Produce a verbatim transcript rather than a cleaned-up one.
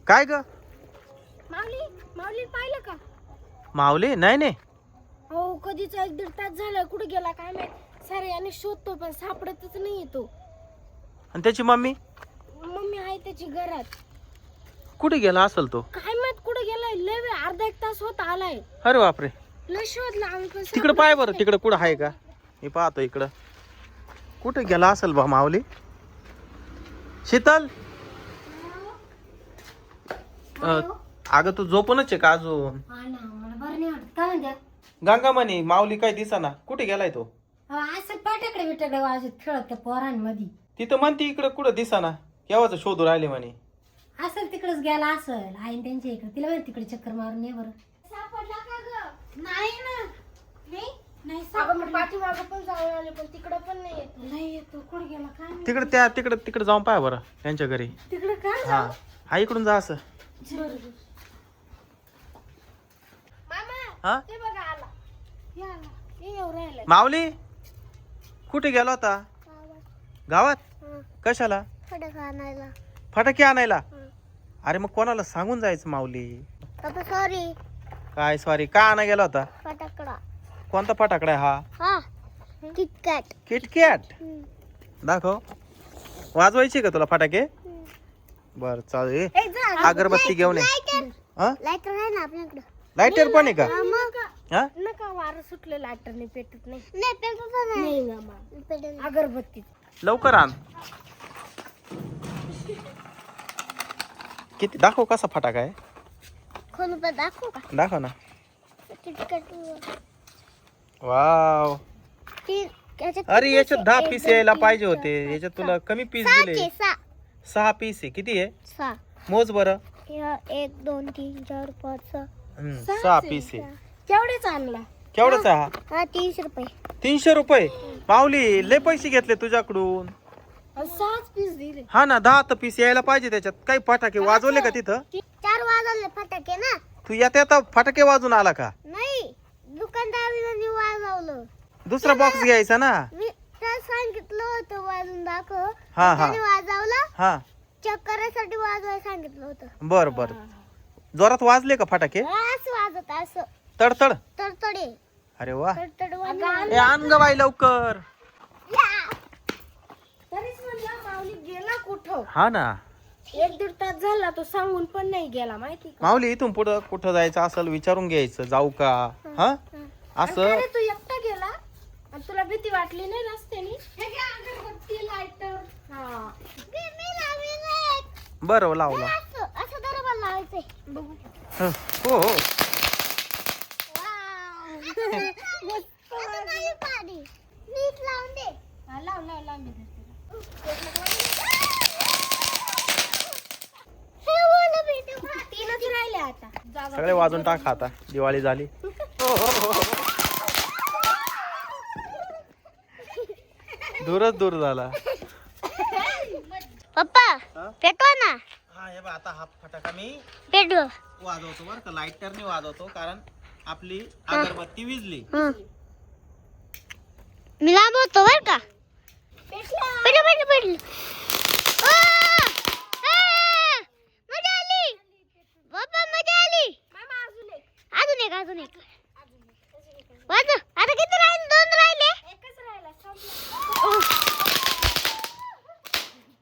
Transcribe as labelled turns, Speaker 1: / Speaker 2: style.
Speaker 1: काय ग
Speaker 2: माऊली माऊली पाहिलं का?
Speaker 1: माऊली नाही नाही
Speaker 2: हो कधीच एक दीड तास झाला कुठे गेला काय माहित. सारे आणि शोधतो पण सापडतच नाही तो.
Speaker 1: आणि त्याची मम्मी
Speaker 2: मम्मी आहे त्याची घरात.
Speaker 1: कुठे गेला असेल तो?
Speaker 2: काय माहित कुठे गेलाय. लय वेळ अर्धा एक तास होत आलाय.
Speaker 1: अरे बापरे
Speaker 2: लय शोधला आम्ही पण
Speaker 1: तिकडे पाय बरं तिकडे कुठं आहे का? मी पाहतो इकडं कुठे गेला असेल बा माऊली. शीतल अ, अगं तू झोपूनच आहे का अजून?
Speaker 2: हा ना मला बरं नाही वाटत. काय म्हणते?
Speaker 1: गंगामणी माऊली काय दिसाना कुठे गेलाय तो?
Speaker 2: असं पाट्याकडे बिटाकडे वाजत खेळत त्या पोरांमध्ये.
Speaker 1: तिथं म्हणते इकडं कुठं दिसाना. केव्हाच शोधू राहिले म्हणे.
Speaker 2: असेल तिकडेच गेला असेल. आई त्यांच्या इकडे तिला माहिती तिकडे चक्कर मारून ये बरं. सापडला का ग? नाही ना. नाही नाही सापडला. पाठीमागं पण जाऊन आले पण तिकडे पण नाही येत. नाही येतो कुठे गेला काय माहिती.
Speaker 1: तिकडे त्या तिकडे तिकडे जाऊन पाय बरं त्यांच्या घरी.
Speaker 2: तिकडे काय
Speaker 1: हा हा इकडून जा असं.
Speaker 2: मामा
Speaker 1: हा
Speaker 2: ते बघा आला. हे आला. हे येऊ राहिलाय.
Speaker 1: माऊली कुठे गेला होता? गावात कशाला?
Speaker 2: फटाका आणायला.
Speaker 1: फटाके आणायला? अरे मग कोणाला सांगून जायचं माऊली.
Speaker 2: पप्पा सॉरी.
Speaker 1: काय सॉरी का आणा गेला होता?
Speaker 2: फटाकडा.
Speaker 1: कोणता फटाकडा आहे हा?
Speaker 2: हा किटकॅट.
Speaker 1: किटकॅट दाखव. वाजवायची का तुला फटाके? बर चालेल. अगरबत्ती घेऊन ये. हा
Speaker 2: लायटर आहे ना आपल्याकडे.
Speaker 1: लायटर पण आहे का? हा
Speaker 2: नका वारं सुटलं लायटरने पेटत नाही. नाही पेटत नाही मामा. अगरबत्ती
Speaker 1: लवकर आण. किती दाखव कसा फटाका आहे.
Speaker 2: खोलू पण दाखवू का?
Speaker 1: दाखव ना.
Speaker 2: किटकॅट.
Speaker 1: वाव अरे याच्यात दहा पीस यायला पाहिजे होते. याच्यात तुला कमी पीस दिले. सहा पीस आहे. किती आहे?
Speaker 2: सहा.
Speaker 1: मोज बरं.
Speaker 2: एक दोन तीन चार पाच सहा.
Speaker 1: हम्म, सहा पीस आहे.
Speaker 2: केवढेच आणला?
Speaker 1: केवढाच आहे हा?
Speaker 2: हा तीनशे रुपये.
Speaker 1: तीनशे रुपये माऊली लय पैसे घेतले तुझ्याकडून.
Speaker 2: सहाच पीस दिले.
Speaker 1: हा ना दहा तर पीस यायला पाहिजे त्याच्यात. काही फटाके वाजवले का तिथं?
Speaker 2: चार वाजवले फटाके ना.
Speaker 1: तू येता येता फटाके वाजून आला का?
Speaker 2: नाही दुकानदाराने वाजवलं.
Speaker 1: दुसरा बॉक्स घ्यायचा ना.
Speaker 2: मी तर सांगितलं होतं वाजून दाखव.
Speaker 1: हा हा
Speaker 2: त्याने वाजवलं.
Speaker 1: हा
Speaker 2: चेक करायसाठी वाजवायला सांगितलं होतं.
Speaker 1: बर बर जोरात वाजले का फटाके?
Speaker 2: असं वाजत असं
Speaker 1: तडतड.
Speaker 2: तडतडे.
Speaker 1: अरे वा.
Speaker 2: तडतड
Speaker 1: ए आण ग बाई लवकर.
Speaker 2: तरीच म्हणलं माऊली गेला कुठं.
Speaker 1: हा ना
Speaker 2: एक दीड तास झाला तो सांगून पण नाही गेला माहिती का?
Speaker 1: माऊली इथून पुढं कुठं जायचं असेल विचारून घ्यायचं जाऊ का. हा असं
Speaker 2: अरे तू एकटा गेला आणि तुला भीती वाटली नाही रस्त्याने? हे घे अगरबत्ती लायटर. हा मी लावली नाही.
Speaker 1: बरं लावला.
Speaker 2: असं असं दरबार लावायचंय. बघू.
Speaker 1: हो हो
Speaker 2: आता नाही पाणी. नीट लावून दे. हा लाव लाव लाव मी धरते. हे बोल बेटा. तीनच राहिले आता. जागा
Speaker 1: सगळे वाजून टाक आता दिवाळी झाली. दूरच दूर झाला.
Speaker 2: पप्पा पेटवा ना.
Speaker 1: हा हे बघ आता हा फटाका मी
Speaker 2: पेटव.
Speaker 1: वाजवतो बरं का. लायटरने वाजवतो कारण आपली अगरबत्ती विजली.
Speaker 2: मी लांब होतो बर का. पेटलं पेटलं पेटलं.